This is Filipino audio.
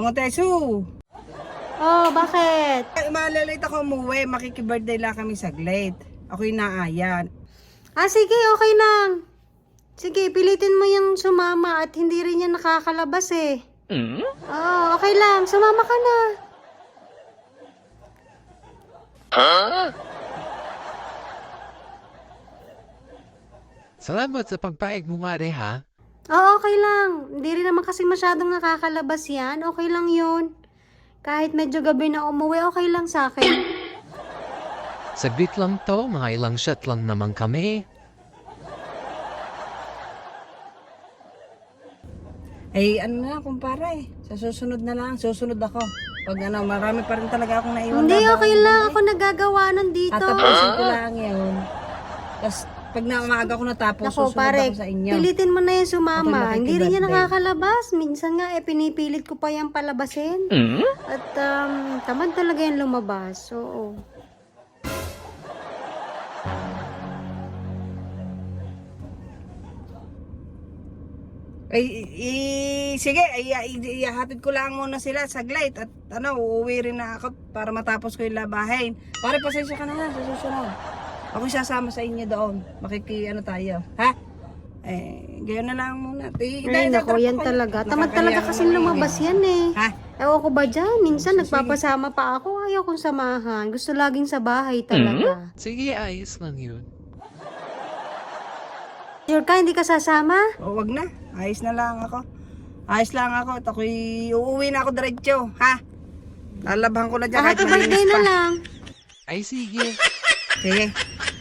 Ang Tesu. Oh, bakit? Malalate ako umuwi. Makiki-birthday lang kami saglit. Ako'y naayan. Ah, sige, okay lang. Sige, pilitin mo yung sumama at hindi rin yan nakakalabas eh. Oo, okay lang. Sumama ka na. Salamat sa pagpaig mo nga ha. Oo, okay lang. Hindi rin naman kasi masyadong nakakalabas yan. Okay lang yun. Kahit medyo gabi na umuwi, okay lang sa akin. Saglit lang to, mga ilang shot lang naman kami. Eh, ano na, kumpara eh. Sa susunod na lang. Susunod ako. Pag ano, marami pa rin talaga akong naiwan. Hindi, na okay baon lang. doon Ako nagagawa nun dito. Tatapusin ko lang yun. Tapos, pag maaga ko natapos, Nako, susunod pare, ako sa inyo. pilitin mo na yung Ako'y sumama. Hindi rin yan makikibirthday. nakakalabas. Minsan nga, pinipilit ko pa yung palabasin. At tamad talaga yung lumabas. Oo. Sige, ihahatid ko lang muna sila saglit at ano, uuwi rin na ako para matapos ko yung labahin. Pare, pasensya ka na ha, sa susunod. Ako sasama sa inyo doon. Ano tayo, ha? Gayon na lang muna. Ay, nako, yan talaga. Tamad talaga kasi lumabas yan eh. Ha? Ewan ko ba dyan? Minsan nagpapasama pa ako. Ayaw kong samahan. Gusto laging sa bahay talaga. Sige, ayos lang yun. Sure ka, hindi ka sasama? O, wag na. Ayos na lang ako. Ayos lang ako. At ako'y uuwi na ako diretso, ha? Lalabhan ko na dyan. Happy birthday na lang. Ay, sige. Sige.